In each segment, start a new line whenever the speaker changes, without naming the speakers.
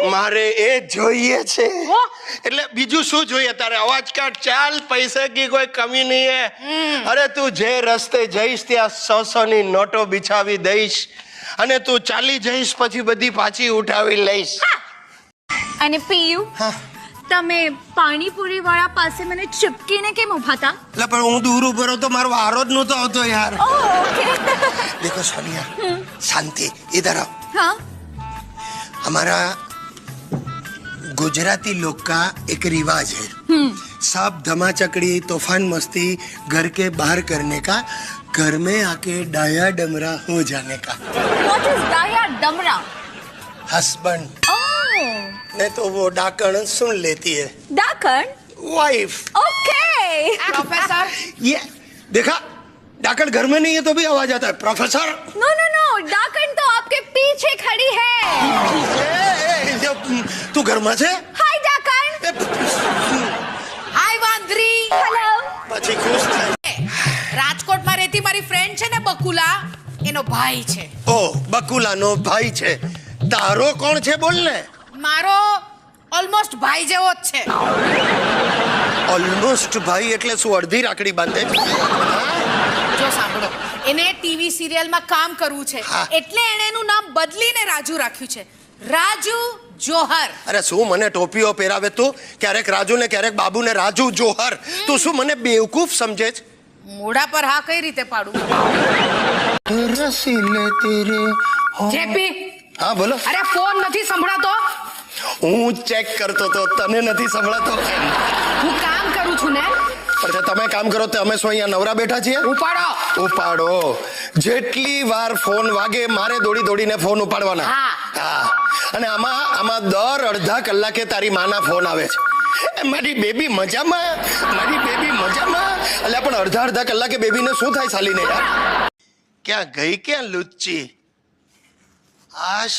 મારે એ જોઈએ છે એટલે બીજું શું જોઈએ તારે અવાજ કાઢ ચાલ પૈસા की कोई कमी नहीं है अरे તું જે રસ્તે જઈશ ત્યાં 100 ની નોટો બિછાવી દઈશ અને તું ચાલી જઈશ પછી બધી પાછી ઉઠાવી લઈશ
અને પીયુ તમે પાણીપુરી વાળા પાસે મને ચિપકીને કેમ ઉભા હતા
એટલે પણ હું દૂર ઉભો રહો તો મારો વારો જ નહોતો આવતો યાર
ओके
देखो सोनिया शांति इधर आओ
हाँ
हमारा गुजराती लोग का एक रिवाज है सब धमाचकड़ी तूफान मस्ती घर के बाहर करने का घर में आके डाया डमरा हो जाने का
व्हाट इज डाया डमरा
हस्बैंड
ओह
नहीं तो वो डाकण सुन लेती है
डाकण
वाइफ
ओके
प्रोफेसर
ये देखा डाकण घर में नहीं है तो भी आवाज आता है प्रोफेसर
नो नो नो डाकण तो आपके पीछे खड़ी है
तू घर में છે
हाय डाकण
હાય વાંદરી
हेलो
પછી ખુશ થાય
રાજકોટમાં રહેતી મારી ફ્રેન્ડ છે ને બકુલા એનો ભાઈ છે
ઓ બકુલાનો ભાઈ છે તારો કોણ છે બોલ ને
મારો ઓલમોસ્ટ ભાઈ જેવો જ છે
ઓલમોસ્ટ ભાઈ એટલે શું અડધી રાખડી બાંધે
જો સાંભળો એને ટીવી સિરિયલમાં કામ કરવું છે
હા.
એટલે એણે એનું નામ બદલીને રાજુ રાખ્યું છે રાજુ જોહર
અરે શું મને ટોપીઓ પહેરાવે તું ક્યારેક રાજુ ને ક્યારેક બાબુ ને રાજુ જોહર તું શું મને બેવકૂફ સમજે છે
મોઢા પર હા કઈ રીતે પાડું
રસીલે તેરે
જેપી
હા બોલો
અરે ફોન નથી સંભળાતો
હું ચેક કરતો તો તને નથી સંભળાતો
હું કામ કરું છું ને
અચ્છા તમે કામ કરો તો અમે શું અહીંયા નવરા બેઠા છીએ
ઉપાડો
ઉપાડો જેટલી વાર ફોન વાગે મારે દોડી દોડીને ફોન ઉપાડવાના
હા.
હા અને આમાં દર અડધા કલાકે તારી માના ફોન આવે છે એ મારી બેબી મજામાં એટલે પણ અડધા કલાકે બેબીને શું થાય સાલીને યાર ક્યાં ગઈ ક્યાં લુચ્ચી આશ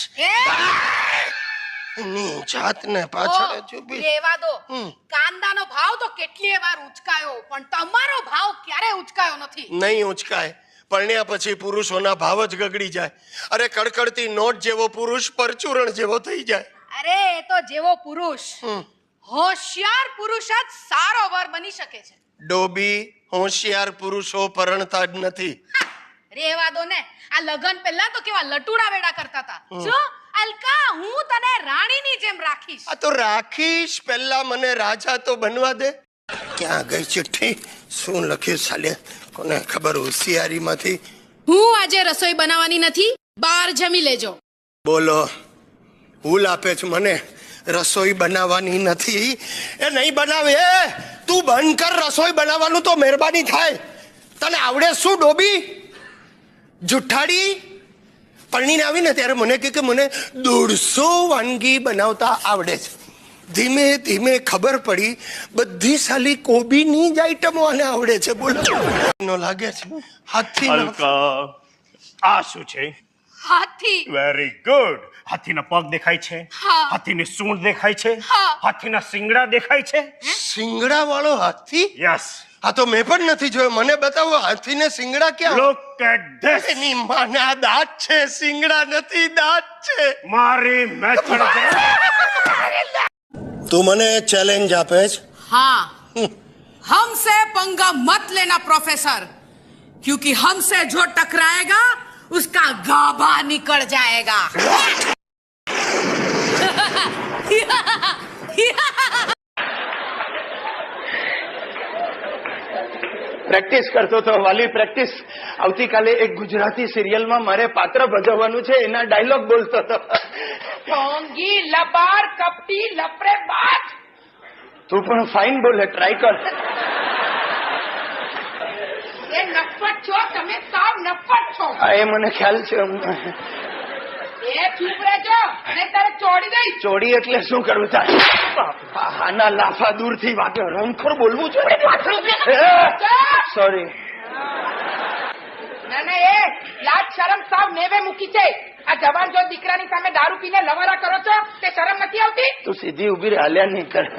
ની જાતને પાછળ ચૂપી
લેવા દો
હમ.
કાંદાનો ભાવ તો કેટલીય વાર ઉચકાયો પણ તમારો ભાવ ક્યારે ઉચકાયો નથી
નહીં ઉંચકાય પરણ્યા પછી પુરુષોના ભાવ જ ગગડી જાય અરે કડકડતી નોટ જેવો પુરુષ પરચુરણ જેવો થઈ જાય
અરે એ તો જેવો પુરુષ હોશિયાર પુરુષ જ સારો વર બની શકે છે
ડોબી હોશિયાર પુરુષો પરણતા જ નથી
રેવા દો ને આ લગન પહેલા તો કેવા લટુડા વેડા કરતા હતા જો અલકા હું તને રાણીની જેમ રાખીશ
આ તો રાખીશ પહેલા મને રાજા તો બનવા દે ક્યાં ગઈ ચિઠ્ઠી શું લખ્યું સાલે કોને ખબર હોશિયારીમાંથી
હું આજે રસોઈ બનાવવાની નથી બહાર જમી લેજો
બોલો ભૂલ આપે છે મને રસોઈ બનાવવાની નથી એ નહીં બનાવે એ તું બંધ કર રસોઈ બનાવવાનું તો મહેરબાની થાય તને આવડે શું ડોબી જુઠ્ઠાડી પરણીને આવીને ત્યારે મને કે મને 150 વાનગી બનાવતા આવડે છે ધીમે ધીમે ખબર પડી બધી સાલી કોબીની જ આઈટમો આને આવડે છે બોલો નો લાગે છે હાથી
અલકા આ શું છે
હાથી
વેરી ગુડ હાથીના પગ દેખાય છે
હા.
હાથીની સૂંઢ દેખાય છે
હા.
હાથીના શિંગડા દેખાય છે
સિંગડા વાળો હાથી
યસ
આ તો મેં પણ નથી જોયો મને બતાવો હાથીને સિંગડા ક્યાં
લુક એટ ધીસ
એની માને આ દાંત છે સિંગડા નથી દાંત છે
મારી મેથડ
તું મને ચેલેન્જ આપે છે
हाँ हमसे पंगा मत लेना प्रोफेसर क्योंकि हमसे जो टकराएगा उसका गाभा निकल जाएगा
પ્રેક્ટિસ કરતો તો વાલી પ્રેક્ટિસ આવતીકાલે એક ગુજરાતી સિરિયલમાં મારે પાત્ર ભજવવાનું છે એના ડાયલોગ બોલતો હતો
ढोंगी लबार कपटी लपरे बाज
તું પણ ફાઇન બોલે ટ્રાય કર
ये नफट છો તમે સાવ નફટ છો
હા એ મને ખ્યાલ છે
એ ચૂપ રહેજો અને તારે ચોડી દઈ
ચોરી એટલે શું કરવું થાય આના લાફા દૂરથી વાગે રમખોર બોલવું છે સોરી
ના ના એ લાજ શરમ સાવ નેવે મૂકી છે આ જવાન જો દીકરાની સામે દારૂ પીને લવારા કરો છો તે શરમ નથી આવતી
તું સીધી ઉભી રહે હાલ્યા નહીં કર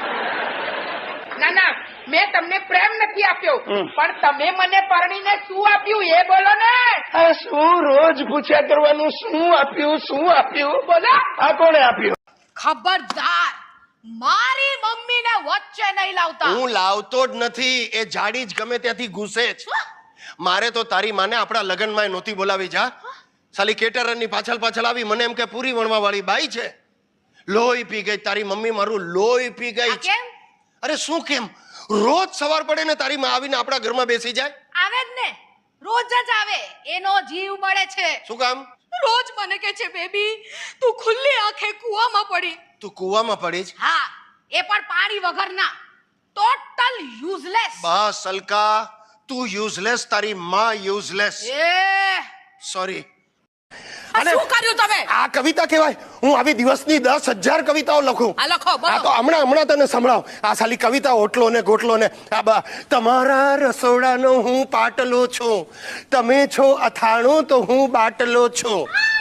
ના ના મેં તમને પ્રેમ નથી આપ્યો પણ તમે મને પરણીને શું આપ્યું એ બોલો ને
આ શું રોજ પૂછ્યા કરવાનું શું આપ્યું બોલો
બોલો
આ કોણે આપ્યું
ખબરદાર મારી મમ્મીને વચ્ચે નહીં લાવતા.
હું લાવતો જ નથી, એ જાડી જ ગમે ત્યાંથી ઘૂસે જ. મારે તો તારી માને આપણા લગ્નમાં નહોતી બોલાવી. જા સાલી કેટરરની પાછળ પાછળ આવી, મને એમ કે પૂરી વણવા વાળી બાઈ છે. લોહી પી ગઈ તારી મમ્મી, મારું લોહી પી ગઈ.
આ કેમ?
અરે શું કેમ? રોજ સવાર પડે ને તારી માં આવીને આપણા ઘરમાં બેસી જાય.
આવે જ ને, રોજ જ આવે. એનો જીવ બળે છે.
શું કામ?
રોજ મને કહે છે બેબી તું ખુલ્લી આંખે કૂવામાં પડી.
તું કૂવામાં પડી જ?
હા, એ પણ પાણી વગરના. Total useless.
બસ અલકા, તું યુઝલેસ, તારી માં યુઝલેસ.
એ
સોરી.
આ શું કર્યું તમે?
આ કવિતા કહેવાય? હું આવી દિવસની 10,000 કવિતાઓ લખું.
આ લખો, બોલો.
આ તો હમણાં તને સંભળાવ. આ સાલી કવિતા ઓટલો ને ગોટલો ને તમારા રસોડાનો હું પાટલો છું, તમે છો અથાણું તો હું બાટલો છું.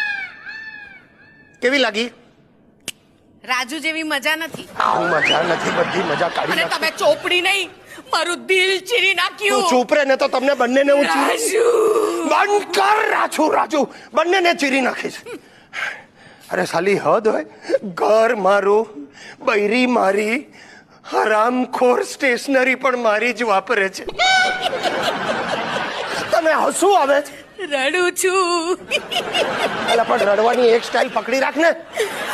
કેવી લાગી?
રાજુ જેવી મજા નથી.
હું મજા નથી, બધી મજા કાઢી
અને
નાખી.
તમે ચોપડી નહીં મારું દિલ ચીરી
તું
નાખ્યું.
ચૂપ રે, ને તો તમને બંનેને હું
રાજુ
બંધ કર. રાજુ બંનેને ચીરી નાખીશ. અરે સાલી હદ હોય. ઘર મારું, બૈરી મારી, હરામખોર સ્ટેશનરી પણ મારી જ વાપરે છે. તને હસવું આવે છે?
રડું છું.
અલા પણ રડવાની એક સ્ટાઇલ પકડી રાખ ને.